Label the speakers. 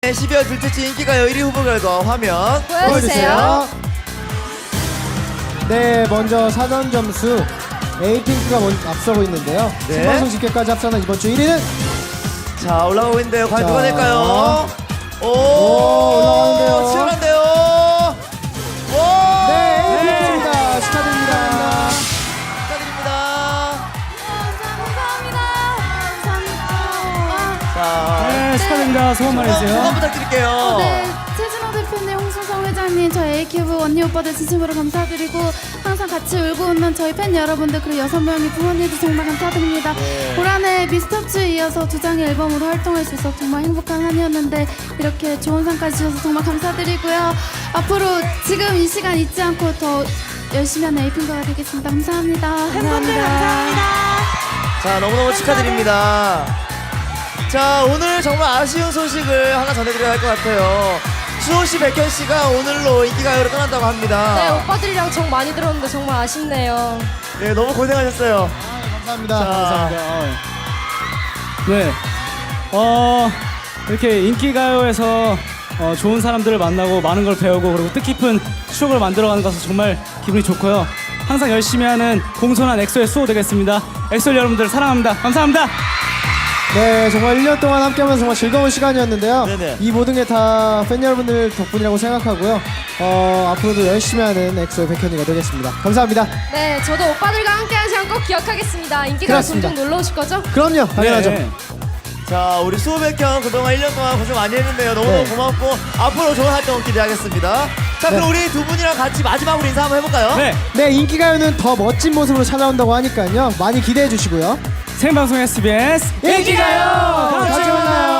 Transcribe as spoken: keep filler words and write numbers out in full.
Speaker 1: 십이월 둘째 주 인기가요 일 위 후보 결과 화면
Speaker 2: 보여주세요.
Speaker 3: 네, 먼저 사전 점수 에이핑크가 먼저 앞서고 있는데요.
Speaker 1: 네.
Speaker 3: 생방송 집계까지 합산한 이번 주 일 위는
Speaker 1: 자 올라가고 있는데요. 과연
Speaker 3: 자.
Speaker 1: 누가 될까요? 오,
Speaker 3: 오, 올라가는데요.
Speaker 1: 치열한데요. 오,
Speaker 3: 네, 에이핑크입니다. 축하드립니다.
Speaker 1: 축하드립니다.
Speaker 2: 감사합니다. 감사합니다.
Speaker 1: 자,
Speaker 4: 네, 축하드립니다. 소감
Speaker 1: 소감
Speaker 4: 말해주세요.
Speaker 1: 부탁드릴게요.
Speaker 2: 네, 최진호 대표님, 홍순성 회장님, 저희 에이큐브 언니 오빠들 진심으로 감사드리고 항상 같이 울고 웃는 저희 팬 여러분들 그리고 여섯 명의 부모님도 정말 감사드립니다.
Speaker 1: 네.
Speaker 2: 올 한해 미스터츠에 이어서 두 장의 앨범으로 활동할 수 있어서 정말 행복한 한 해였는데 이렇게 좋은 상까지 주셔서 정말 감사드리고요. 앞으로 지금 이 시간 잊지 않고 더 열심히 하는 에이핑크가 되겠습니다. 감사합니다.
Speaker 5: 팬분들 감사합니다.
Speaker 1: 자 너무너무 축하드립니다. 자 오늘 정말 아쉬운 소식을 하나 전해드려야 할 것 같아요. 수호씨, 백현씨가 오늘로 인기가요로 떠난다고 합니다.
Speaker 5: 네, 오빠들이랑 정 많이 들었는데 정말 아쉽네요.
Speaker 1: 네, 너무 고생하셨어요.
Speaker 3: 감사합니다.
Speaker 1: 자,
Speaker 4: 감사합니다. 네, 어 이렇게 인기가요에서 어, 좋은 사람들을 만나고 많은 걸 배우고 그리고 뜻깊은 추억을 만들어가는 것은 정말 기분이 좋고요. 항상 열심히 하는 공손한 엑소의 수호 되겠습니다. 엑소 여러분들 사랑합니다. 감사합니다.
Speaker 3: 네, 정말 일 년 동안 함께하면서 정말 즐거운 시간이었는데요.
Speaker 1: 네네.
Speaker 3: 이 모든 게 다 팬 여러분들 덕분이라고 생각하고요. 어, 앞으로도 열심히 하는 엑소의 백현이가 되겠습니다. 감사합니다.
Speaker 5: 네, 저도 오빠들과 함께한 시간 꼭 기억하겠습니다. 인기가
Speaker 3: 그렇습니다.
Speaker 5: 종종 놀러 오실 거죠?
Speaker 3: 그럼요, 당연하죠.
Speaker 4: 네.
Speaker 1: 자 우리 수호, 백현 그동안 일 년 동안 고생 많이 했는데요. 너무너무
Speaker 3: 네.
Speaker 1: 고맙고 앞으로 좋은 활동 기대하겠습니다. 자 그럼 우리 두 분이랑 같이 마지막으로 인사 한번 해볼까요?
Speaker 4: 네,
Speaker 3: 네, 인기가요는 더 멋진 모습으로 찾아온다고 하니까요. 많이 기대해 주시고요.
Speaker 4: 생방송 에스비에스 인기가요.
Speaker 3: 다음 주에 만나요.